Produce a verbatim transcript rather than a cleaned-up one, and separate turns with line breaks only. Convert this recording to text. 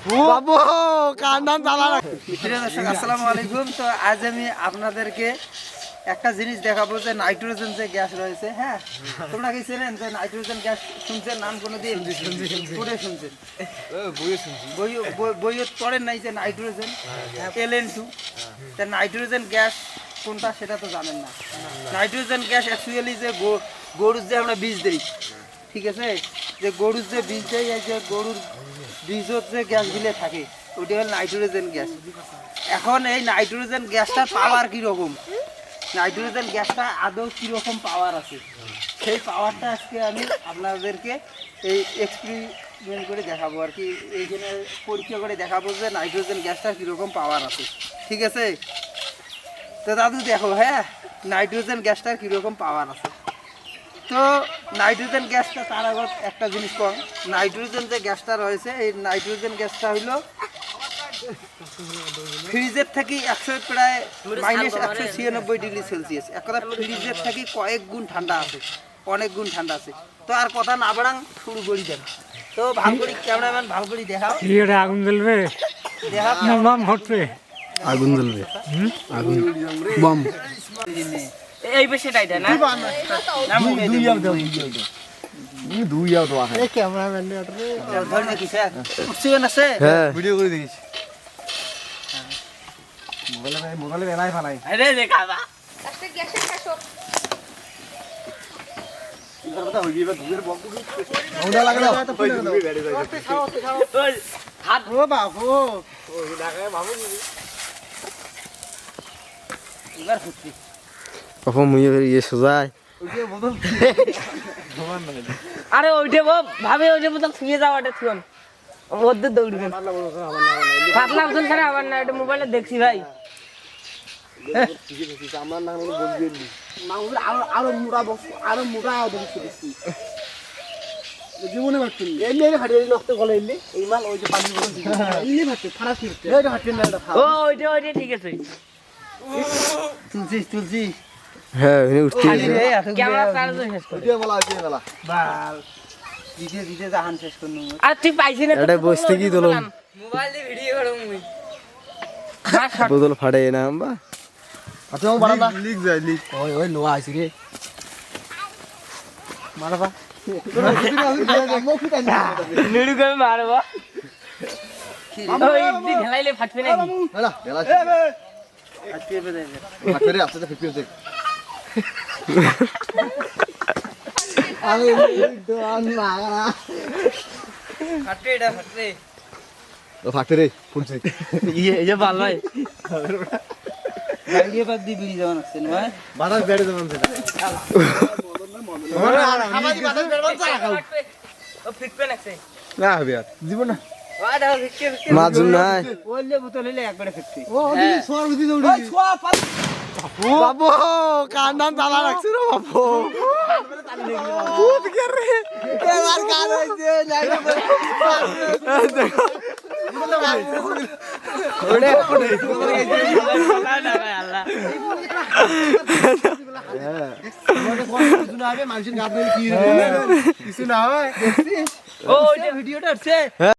বাবু কান্দান জ্বালা
প্রিয় দর্শক আসসালামু আলাইকুম। তো আজ আমি আপনাদেরকে একটা জিনিস দেখাবো যে নাইট্রোজেন যে গ্যাস রয়েছে, হ্যাঁ তোমরা কি চেনেন যে নাইট্রোজেন গ্যাস শুনছেন নাম কোনোদিন? পড়ে শুনছেন, বইয়ে পড়েন নাই যে নাইট্রোজেন এল এন টু। তা নাইট্রোজেন গ্যাস কোনটা সেটা তো জানেন না। নাইট্রোজেন গ্যাস অ্যাকচুয়ালি যে গরুর যে আমরা বীজ দিই, ঠিক আছে, যে গরুর যে বীজ দেয়, এই যে গরুর বীজের যে গ্যাসগুলো থাকে ওইটা হল নাইট্রোজেন গ্যাস। এখন এই নাইট্রোজেন গ্যাসটার পাওয়ার কীরকম, নাইট্রোজেন গ্যাসটা আদৌ কীরকম পাওয়ার আছে, সেই পাওয়ারটা আজকে আমি আপনাদেরকে এই এক্সপেরিমেন্ট করে দেখাবো আর কি, এইখানে পরীক্ষা করে দেখাবো যে নাইট্রোজেন গ্যাসটার কীরকম পাওয়ার আছে, ঠিক আছে। তো দাদু দেখো, হ্যাঁ নাইট্রোজেন গ্যাসটার কীরকম পাওয়ার আছে। তো নাইট্রোজেন গ্যাসটা তার আগত একটা জিনিস কম, নাইট্রোজেন যে গ্যাসটা রয়েছে এই নাইট্রোজেন গ্যাসটা হইল ফ্রিজের থেকে একশো প্রায় মাইনাস একশো ছিয়ানব্বই ডিগ্রি সেলসিয়াস, এক কথা ফ্রিজের থেকে কয়েক গুণ ঠান্ডা আছে, অনেক গুণ ঠান্ডা আছে। তো আর কথা না বাড়াং, শুরু করি দেন। তো ভালো করি ক্যামেরাম্যান ভালো করি দেখাও,
আগুন জ্বলবে,
দেখাও
বাম হটবে,
আগুন জ্বলবে, আগুন বম
এই বেশি টাইটা না দুই আও দাও
দুই আও তো আছে
এই ক্যামেরাম্যান নে আটরে ধর নাকি স্যার উঠছেন আছে
হ্যাঁ ভিডিও করে দেখিস মোবাইলে মোবাইলে বেলাই ফালাই
আরে দেখাবা
আজকে গ্যাসের কাশো
কথা হইবি বা দুধের বম ওটা লাগে না তো পড়ে যাবে গাড়ি যাবে
ওই হাত
ও বাবু ওই লাগায় বাবু
এবার ফুটছি
বাবু মুইয়ে ইয়ে সোজাই
আরে ওইটা বাপ ভাবে ওইটা বোতল ছুঁয়ে যাও, এটা থুন মধ্যে দৌড়বেন পাতলা বোতল ছাড়া আবার না, এটা মোবাইলে দেখছি ভাই।
আমার না বলবি
আরো আরো মোটা বক্স, আরো মোটা দেখছি
জীবনে ভাবছি
এমনি এমনি ফাটিয়ে নষ্ট করে এলি এই মাল ওই যে পানি বলে দিই
এমনি ভাবছি ফাড়া ফিরতে
এইটা ফাটিয়ে না, এটা ও ওইটা ওইটা ঠিক আছে। তুলছি তুলছি
হ্যাঁ এনে উঠতে
ক্যামেরা চার্জ শেষ করে
ভিডিও বলা আছে বলা
বাল দিতে দিতে জাহান শেষ করে নেব। আর তুই পাইছিস না
এটা বসতে কি দলম
মোবাইল দিয়ে ভিডিও করব মুই
বোতল ফাড়ে না আম্বা আচ্ছা বাড়া না লিক যায় লিক ওই ওই লোয়া আইছি রে মারবা
নিড়ু করে মারবো ওই দি ঢেলাইলে ফাটবে নাকি
হলা ঢেলা
ফাটবে বেদে
ফাটবে রে আস্তে ফিফটি হচ্ছে আমি দোয়ান না
ফাটবে, এটা ফাটবে
ও ফাটে রে ফুটছে
ইয়ে এই যে ভালো হয় গাড়িয়ে বাদ দি বিড়ি যাওয়া আছে না
বাতাস বেড়ে যাবেন সেটা
আমাদি বাতাস বেড়বান চা খাও ও ফিটবে নাকি
না হবে আর জীবন না
ওয়া দাও ফিটকে ফিটকে
মাজুন নাই
ওলে বোতল হইলে একবারে ফিটবে।
ও দিদি সোয়ার দিদি দৌড়ি ওই সোয়া পাল বাবু কান্দান জ্বালা রাখছ রে বাবু ভূত কে রে এবার কান হইছে নাই দেখো ওরে ওরে
না না ভাই আল্লাহ
কিছু না হয়
ও ওই যে ভিডিওটা হচ্ছে